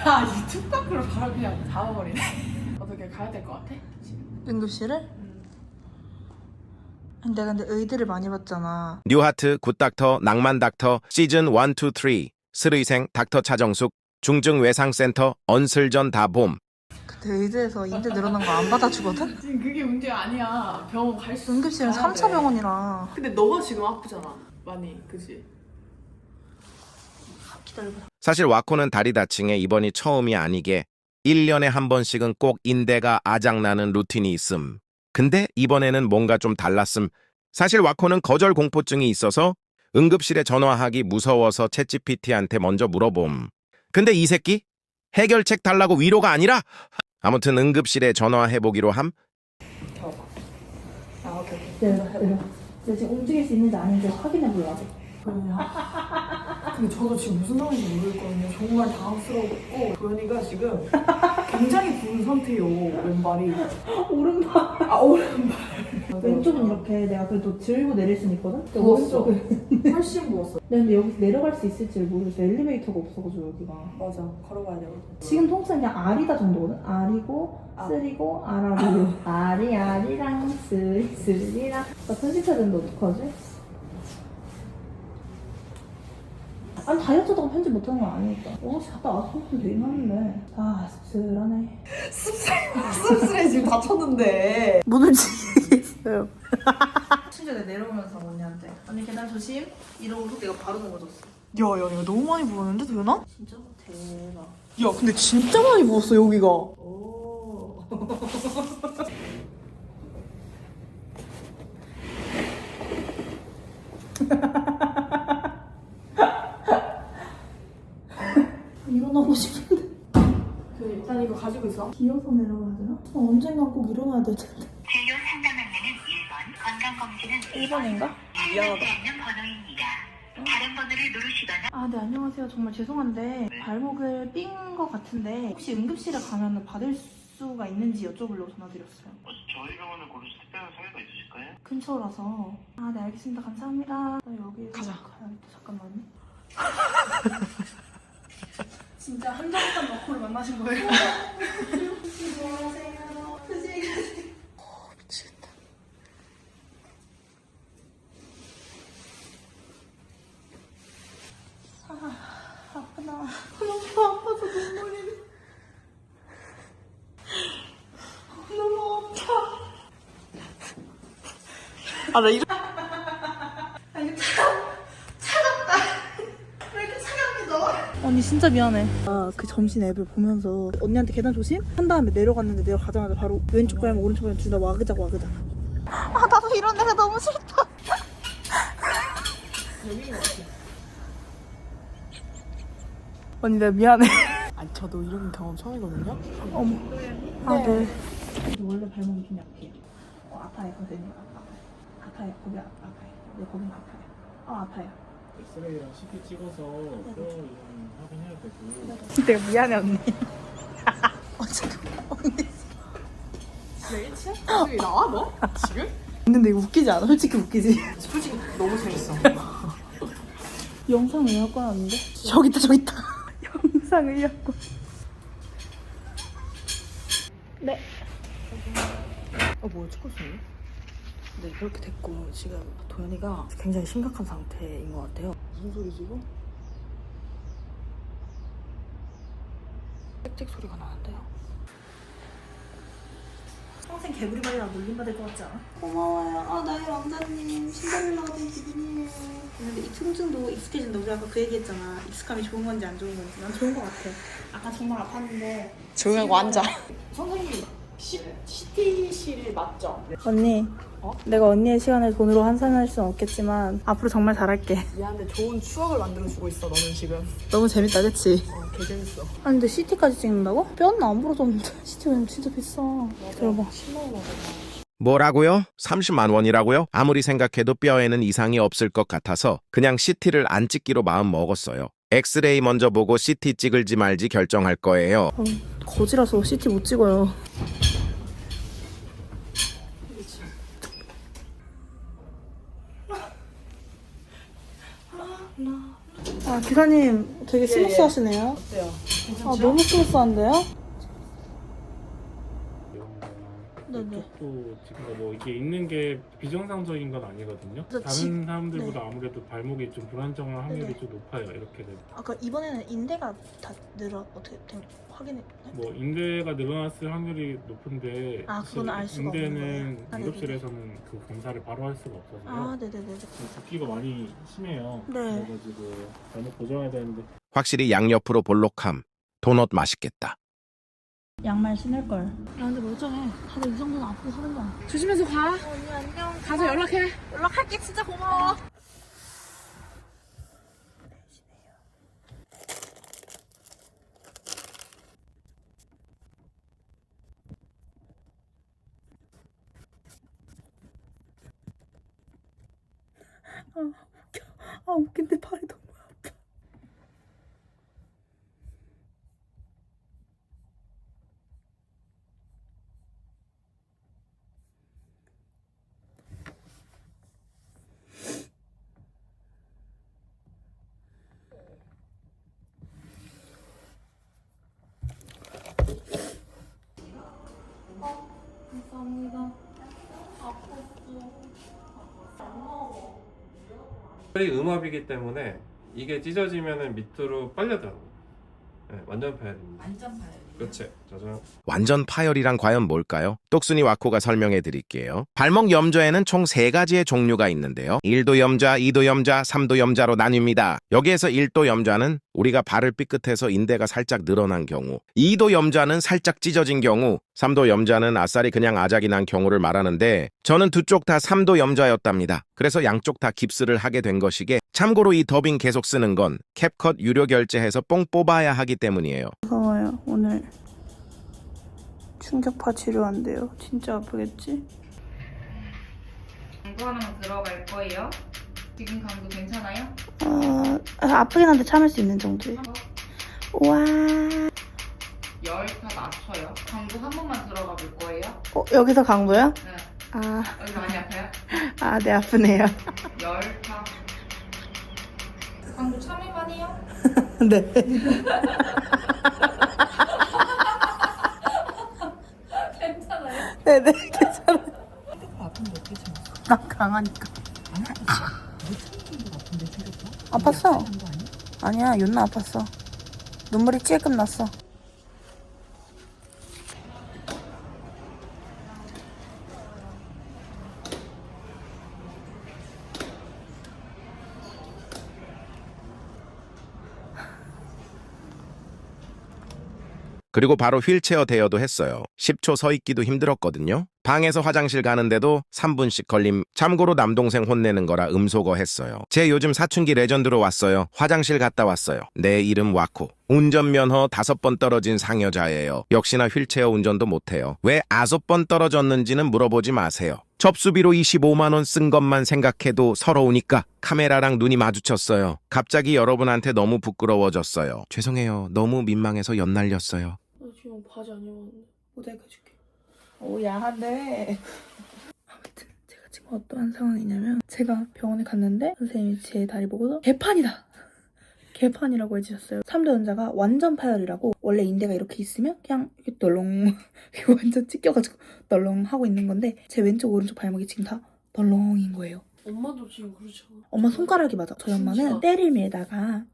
야, 이 툭박으로 바로 그냥 잡아버리네. 어떻게 가야 될 것 같아? 응급실을? 내가 근데 의대를 많이 봤잖아. 뉴하트, 굿닥터, 낭만닥터, 시즌 1, 2, 3, 스의생, 닥터 차정숙, 중증외상센터, 언슬전 다봄. 그때 의대에서 인대 늘어난 거 안 받아주거든? 지금 그게 문제가 아니야. 병원 갈 수. 응급실은 3차 병원이라. 근데 너가 지금 아프잖아. 많이, 그지? 기다려봐. 사실 와코는 다리 다칭에 입원이 처음이 아니게 1년에 한 번씩은 꼭 인대가 아작나는 루틴이 있음. 근데 이번에는 뭔가 좀 달랐음. 사실 와코는 거절 공포증이 있어서 응급실에 전화하기 무서워서 챗GPT한테 먼저 물어봄. 근데 이 새끼? 해결책 달라고 위로가 아니라? 아무튼 응급실에 전화해보기로 함. 오케이. 내가 지금 움직일 수 있는지 아닌지 확인해 보려고. 근데 저도 지금 무슨 상황인지 모르겠거든요. 정말 당황스러웠고 도현이가 지금 굉장히 부은 상태예요. 왼발이. 오른발. 아, 오른발. 왼쪽은 이렇게 내가 그래도 들고 내릴 수는 있거든? 근데 부었어. 오른쪽은 훨씬 부었어. 근데 여기서 내려갈 수 있을지를 모르겠어. 엘리베이터가 없어가지고 여기가. 맞아. 걸어가야 되거든. 지금 통상 그냥 R이다 정도거든? R이고 쓰리고 R하고 R이 R이랑 쓰리랑 나 편집해야 되는데 어떡하지? 아니 다이어트 하다가 편집 못하는 건 아니니까 갔다 와서 편집 되긴 하는데 아 씁쓸하네. 씁쓸해 지금 다쳤는데. 문을 지키겠어요. 심지어 내가 내려오면서 언니한테 언니 계단 조심 이러고서 내가 바로 넘어졌어. 야, 이거 너무 많이 부었는데 도현아? 진짜? 대박. 야, 근데 진짜 많이 부었어 여기가. 오. 일어나고 싶은데. 일단 이거 가지고 있어. 기어서 내려가야 되나? 언젠간 꼭 일어나야 될 텐데. 진료 상담 안내는 1번, 건강검진은 1번인가? 미안하다. 있는 번호입니다. 다른 번호를 누르시거나 아, 네, 안녕하세요. 정말 죄송한데 발목을 삔 것 같은데 혹시 응급실에 가면 받을 수가 있는지 여쭤보려고 전화드렸어요. 저희 병원을 고르신 특별한 사유가 있으실까요? 근처라서. 아, 네, 알겠습니다. 감사합니다. 나 여기 가자. 가야겠다. 잠깐만요. 진짜 한정판 너코를 만나신 거예요? 안녕하세요. 미치겠다. 아프다. 너무 아파서 눈물이. 너무 아파. 아, 나 이런. 아, 이거 차갑다. 왜 이렇게 차갑니, 언니 진짜 미안해. 그 점심 앱을 보면서 언니한테 계단 조심 한 다음에 내려갔는데 내려가자마자 바로 왼쪽 발목 오른쪽 발목 둘 다 와그작. 아, 나도 이런 데가 너무 싫다. 언니 나 미안해. 아니, 저도 이런 경험 처음이거든요. 어머. 아, 네. 원래 발목이 좀 약해요. 아파요, 선생님. 아파요. 거기 아파요. 네, 거긴 아파요. 아파요. 엑스레이랑 CT 찍어서 뼈 이상 확인해야 되고 내가 미안해, 언니. 언니. 왜 1층? 여기 나와 너? 지금? 근데 이거 웃기지 않아? 솔직히 웃기지? 솔직히 너무 재밌어. 영상의학과 아닌데? 저기 있다. 영상의학과. 네. 뭐야, 찍고 있었네? 네, 그렇게 됐고 지금 도현이가 굉장히 심각한 상태인 것 같아요. 무슨 소리지 이거? 짹짹 소리가 나는데요. 평생 개구리발이랑 놀림받을 것 같지 않아? 고마워요. 아, 나의 왕자님. 신데렐라가 된 기분이에요. 근데 이 통증도 익숙해진다. 우리 아까 그 얘기했잖아. 익숙함이 좋은 건지 안 좋은 건지. 난 좋은 것 같아. 아까 정말 아팠는데. 조용하고 앉아. 선생님, CT실 맞죠? 언니. 내가 언니의 시간을 돈으로 환산할 수는 없겠지만 앞으로 정말 잘할게. 미안한데 좋은 추억을 만들어주고 있어 너는 지금. 너무 재밌다, 그치? 개 재밌어. 아니 근데 CT까지 찍는다고? 뼈는 안 부러졌는데 CT는 진짜 비싸. 들어봐. 10만 원 하잖아. 뭐라고요? 30만 원이라고요? 아무리 생각해도 뼈에는 이상이 없을 것 같아서 그냥 CT를 안 찍기로 마음 먹었어요. 엑스레이 먼저 보고 CT 찍을지 말지 결정할 거예요. 거지라서 CT 못 찍어요. 아, 기사님 되게 스무스 하시네요. 어때요? 아 너무 스무스한데요? 이런 네네. 쪽도 지금 뭐 이게 있는 게 비정상적인 건 아니거든요. 그래서 다른 사람들보다 아무래도 발목이 좀 불안정할 확률이 네네. 좀 높아요. 이렇게 되면. 아까 이번에는 인대가 다 어떻게 된 확인했나요? 뭐 인대가 늘어났을 확률이 높은데 아, 그건 알 수가 없는 인대는 거예요? 아, 응급실에서는 그 검사를 바로 할 수가 없어서요. 아 네네네. 붓기가 많이 심해요. 네. 그래가지고 발목 고정해야 되는데 확실히 양옆으로 볼록함. 도넛 맛있겠다. 양말 신을 걸. 야 근데 멀쩡해. 다들 이 정도는 앞으로 하는 거야. 조심해서 가. 언니 안녕. 가서 연락해. 연락할게. 진짜 고마워. 아 웃겨. 아 웃긴데 팔이 너무 아파. 감사합니다. 이 음압이기 때문에 이게 찢어지면은 밑으로 빨려들어요. 네, 완전 파열입니다. 완전 파열. 그렇지. 짜잔. 완전 파열이란 과연 뭘까요? 똑순이 와코가 설명해 드릴게요. 발목 염좌에는 총 3가지의 종류가 있는데요. 1도 염좌, 2도 염좌, 3도 염좌로 나뉩니다. 여기에서 1도 염좌는 우리가 발을 삐끗해서 인대가 살짝 늘어난 경우, 2도 염좌는 살짝 찢어진 경우, 3도 염좌는 아싸리 그냥 아작이 난 경우를 말하는데 저는 두 쪽 다 3도 염좌였답니다. 그래서 양쪽 다 깁스를 하게 된 것이게 참고로 이 더빙 계속 쓰는 건 캡컷 유료 결제해서 뽕 뽑아야 하기 때문이에요. 무서워요. 오늘 충격파 치료한대요. 진짜 아프겠지? 강도 하나만 들어갈 거예요. 지금 강도 괜찮아요? 아프긴 한데 참을 수 있는 정도예요. 우와. 열타 낮춰요. 강도 한 번만 들어가 볼 거예요. 여기서 강도요? 네. 아, 여기 많이 아파요? 네 아프네요. 열타. 강도 참을만 해요? 네. 괜찮아요? 네네 괜찮아요. 나 강하니까. 아팠어. 아니야 윤나 아팠어. 눈물이 찔끔 났어. 그리고 바로 휠체어 대여도 했어요. 10초 서 있기도 힘들었거든요. 방에서 화장실 가는데도 3분씩 걸림. 참고로 남동생 혼내는 거라 음소거 했어요. 제 요즘 사춘기 레전드로 왔어요. 화장실 갔다 왔어요. 내 이름 와코. 운전면허 5번 떨어진 상여자예요. 역시나 휠체어 운전도 못해요. 왜 5번 떨어졌는지는 물어보지 마세요. 접수비로 25만 원 쓴 것만 생각해도 서러우니까 카메라랑 눈이 마주쳤어요. 갑자기 여러분한테 너무 부끄러워졌어요. 죄송해요. 너무 민망해서 연날렸어요. 나 지금 바지 안 입었는데 모자이크 해줄게. 오 야한데. 아무튼 제가 지금 어떠한 상황이냐면 제가 병원에 갔는데 선생님이 제 다리 보고서 개판이다. 개판이라고 해주셨어요. 3도 연자가 완전 파열이라고. 원래 인대가 이렇게 있으면 그냥 이렇게 덜렁 이렇게 완전 찢겨가지고 덜렁 하고 있는 건데 제 왼쪽 오른쪽 발목이 지금 다 덜렁인 거예요. 엄마도 지금 그렇잖아. 엄마 손가락이 맞아. 저희 엄마는 진짜? 때를 밀다가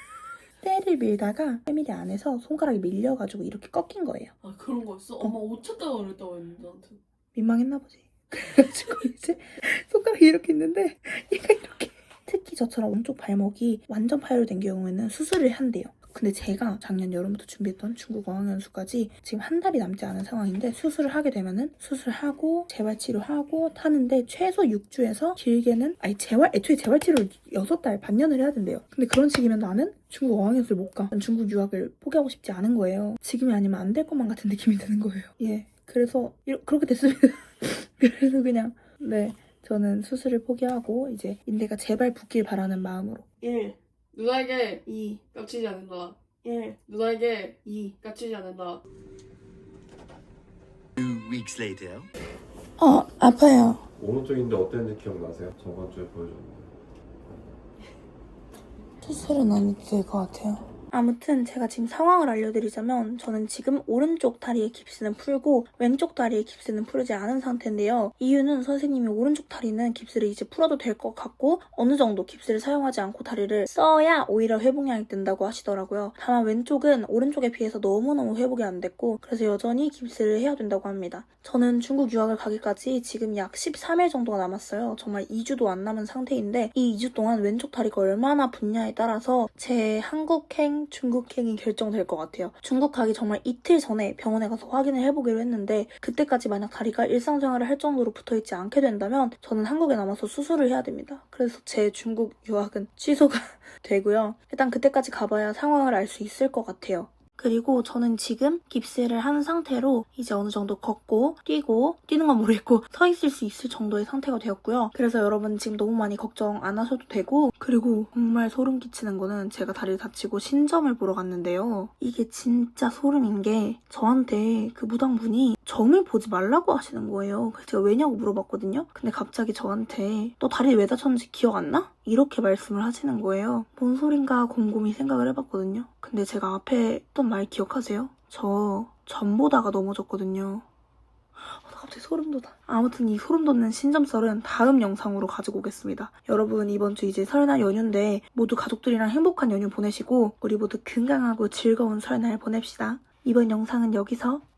패밀리 안에서 손가락이 밀려가지고 이렇게 꺾인 거예요. 아 그런 거였어? 엄마 옷 찾다가 그랬다고 했는데 나한테. 민망했나 보지. 그래가지고 이제 손가락이 이렇게 있는데 얘가 이렇게. 특히 저처럼 오른쪽 발목이 완전 파열된 경우에는 수술을 한대요. 근데 제가 작년 여름부터 준비했던 중국 어학연수까지 지금 한 달이 남지 않은 상황인데 수술을 하게 되면은 수술하고 재활치료하고 타는데 최소 6주에서 길게는 애초에 재활치료를 6달 반년을 해야 된대요. 근데 그런 식이면 나는 중국 어학연수를 못 가. 난 중국 유학을 포기하고 싶지 않은 거예요. 지금이 아니면 안 될 것만 같은 느낌이 드는 거예요. 예. 그래서 그렇게 됐습니다. 그래서 그냥 네. 저는 수술을 포기하고 이제 인대가 제발 붙길 바라는 마음으로 1, 누나에게 2, 깝치지 않는다. 1, 누나에게 2 깝치지 않는다. 2 weeks later. 아파요. 오른쪽인데 어땠는지 기억나세요? 저번 주에 보여줬는데. 수술은 안 해도 될 것 같아요. 아무튼 제가 지금 상황을 알려드리자면 저는 지금 오른쪽 다리의 깁스는 풀고 왼쪽 다리의 깁스는 풀지 않은 상태인데요. 이유는 선생님이 오른쪽 다리는 깁스를 이제 풀어도 될 것 같고 어느 정도 깁스를 사용하지 않고 다리를 써야 오히려 회복량이 뜬다고 하시더라고요. 다만 왼쪽은 오른쪽에 비해서 너무너무 회복이 안 됐고 그래서 여전히 깁스를 해야 된다고 합니다. 저는 중국 유학을 가기까지 지금 약 13일 정도가 남았어요. 정말 2주도 안 남은 상태인데 이 2주 동안 왼쪽 다리가 얼마나 붓냐에 따라서 제 한국행, 중국행이 결정될 것 같아요. 중국 가기 정말 이틀 전에 병원에 가서 확인을 해보기로 했는데 그때까지 만약 다리가 일상생활을 할 정도로 붙어있지 않게 된다면 저는 한국에 남아서 수술을 해야 됩니다. 그래서 제 중국 유학은 취소가 되고요. 일단 그때까지 가봐야 상황을 알 수 있을 것 같아요. 그리고 저는 지금 깁스를 한 상태로 이제 어느 정도 걷고 뛰고 뛰는 건 모르겠고 서 있을 수 있을 정도의 상태가 되었고요. 그래서 여러분 지금 너무 많이 걱정 안 하셔도 되고 그리고 정말 소름 끼치는 거는 제가 다리를 다치고 신점을 보러 갔는데요. 이게 진짜 소름인 게 저한테 그 무당분이 점을 보지 말라고 하시는 거예요. 그래서 제가 왜냐고 물어봤거든요. 근데 갑자기 저한테 너 다리 왜 다쳤는지 기억 안 나? 이렇게 말씀을 하시는 거예요. 뭔 소린가 곰곰이 생각을 해봤거든요. 근데 제가 앞에 했던 말 기억하세요? 저 점 보다가 넘어졌거든요. 나 갑자기 소름 돋아. 아무튼 이 소름 돋는 신점설은 다음 영상으로 가지고 오겠습니다. 여러분 이번 주 이제 설날 연휴인데 모두 가족들이랑 행복한 연휴 보내시고 우리 모두 건강하고 즐거운 설날 보냅시다. 이번 영상은 여기서